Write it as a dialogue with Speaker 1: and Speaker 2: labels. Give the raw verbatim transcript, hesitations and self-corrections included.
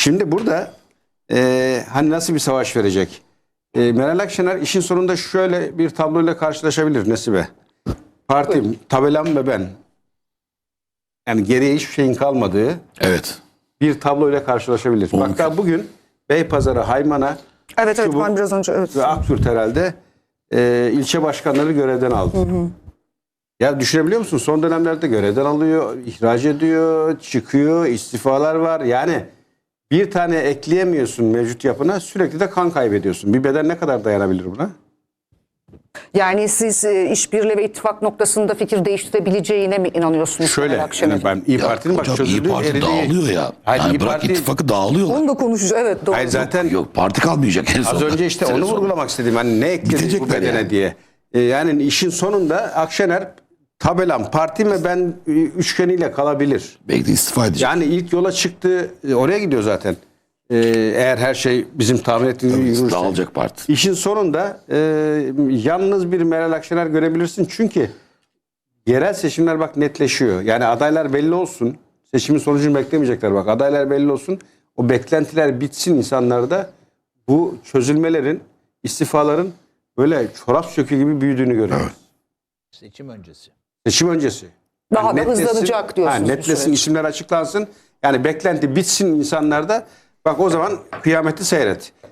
Speaker 1: Şimdi burada e, hani nasıl bir savaş verecek? E, Meral Akşener işin sonunda şöyle bir tabloyla karşılaşabilir Nesibe. Partim, tabelam ve ben. Yani geriye hiçbir şeyin kalmadığı
Speaker 2: Evet.
Speaker 1: bir tabloyla karşılaşabilir.
Speaker 2: Mümkün.
Speaker 1: Hatta bugün Beypazarı, Haymana
Speaker 3: Evet evet
Speaker 1: Çubuk
Speaker 3: ben biraz önce evet.
Speaker 1: ve Aktürk herhalde e, ilçe başkanları görevden aldı. Hı hı. Ya düşünebiliyor musun? Son dönemlerde görevden alıyor, ihraç ediyor, çıkıyor, istifalar var. Yani bir tane ekleyemiyorsun mevcut yapına, sürekli de kan kaybediyorsun. Bir beden ne kadar dayanabilir buna?
Speaker 3: Yani siz e, işbirliği ve ittifak noktasında fikir değiştirebileceğine mi inanıyorsunuz?
Speaker 1: Şöyle,
Speaker 3: Meral Akşener'in?
Speaker 1: yani ben İyi
Speaker 2: Ya
Speaker 1: Parti'nin bak
Speaker 2: hocam İyi
Speaker 1: çözüldüğü
Speaker 2: Parti
Speaker 1: eridiği-
Speaker 2: dağılıyor ya.
Speaker 1: Hayır,
Speaker 2: yani
Speaker 1: İyi
Speaker 2: bırak
Speaker 1: Parti-
Speaker 2: ittifakı dağılıyorlar.
Speaker 3: Onu da konuşacağız. Evet doğru.
Speaker 1: Hayır zaten
Speaker 2: Yok parti kalmayacak en
Speaker 1: az
Speaker 2: sonunda.
Speaker 1: önce işte onu
Speaker 2: Sene sonu.
Speaker 1: vurgulamak istedim. Hani ne ekledik bu
Speaker 2: Gidecekler
Speaker 1: bedene
Speaker 2: yani.
Speaker 1: diye. E, yani işin sonunda Akşener tabelam, parti ve ben e, üçgeniyle kalabilir.
Speaker 2: Belki de istifa edecek.
Speaker 1: Yani ilk yola çıktı, e, oraya gidiyor zaten. E, eğer her şey bizim tahmin ettiğimiz gibi yürürse.
Speaker 2: Dağılacak parti.
Speaker 1: İşin sonunda e, yalnız bir Meral Akşener görebilirsin. Çünkü yerel seçimler bak netleşiyor. Yani adaylar belli olsun. Seçimin sonucunu beklemeyecekler bak. Adaylar belli olsun. O beklentiler bitsin insanlarda. Bu çözülmelerin, istifaların böyle çorap sökü gibi büyüdüğünü görüyoruz.
Speaker 4: Seçim öncesi.
Speaker 1: Seçim öncesi.
Speaker 3: Daha da
Speaker 1: netleşsin-
Speaker 3: hızlanacak diyorsunuz
Speaker 1: Ha,
Speaker 3: bu
Speaker 1: netleşsin,
Speaker 3: süreç.
Speaker 1: isimler açıklansın. Yani beklenti bitsin insanlarda. Bak o zaman kıyameti seyret.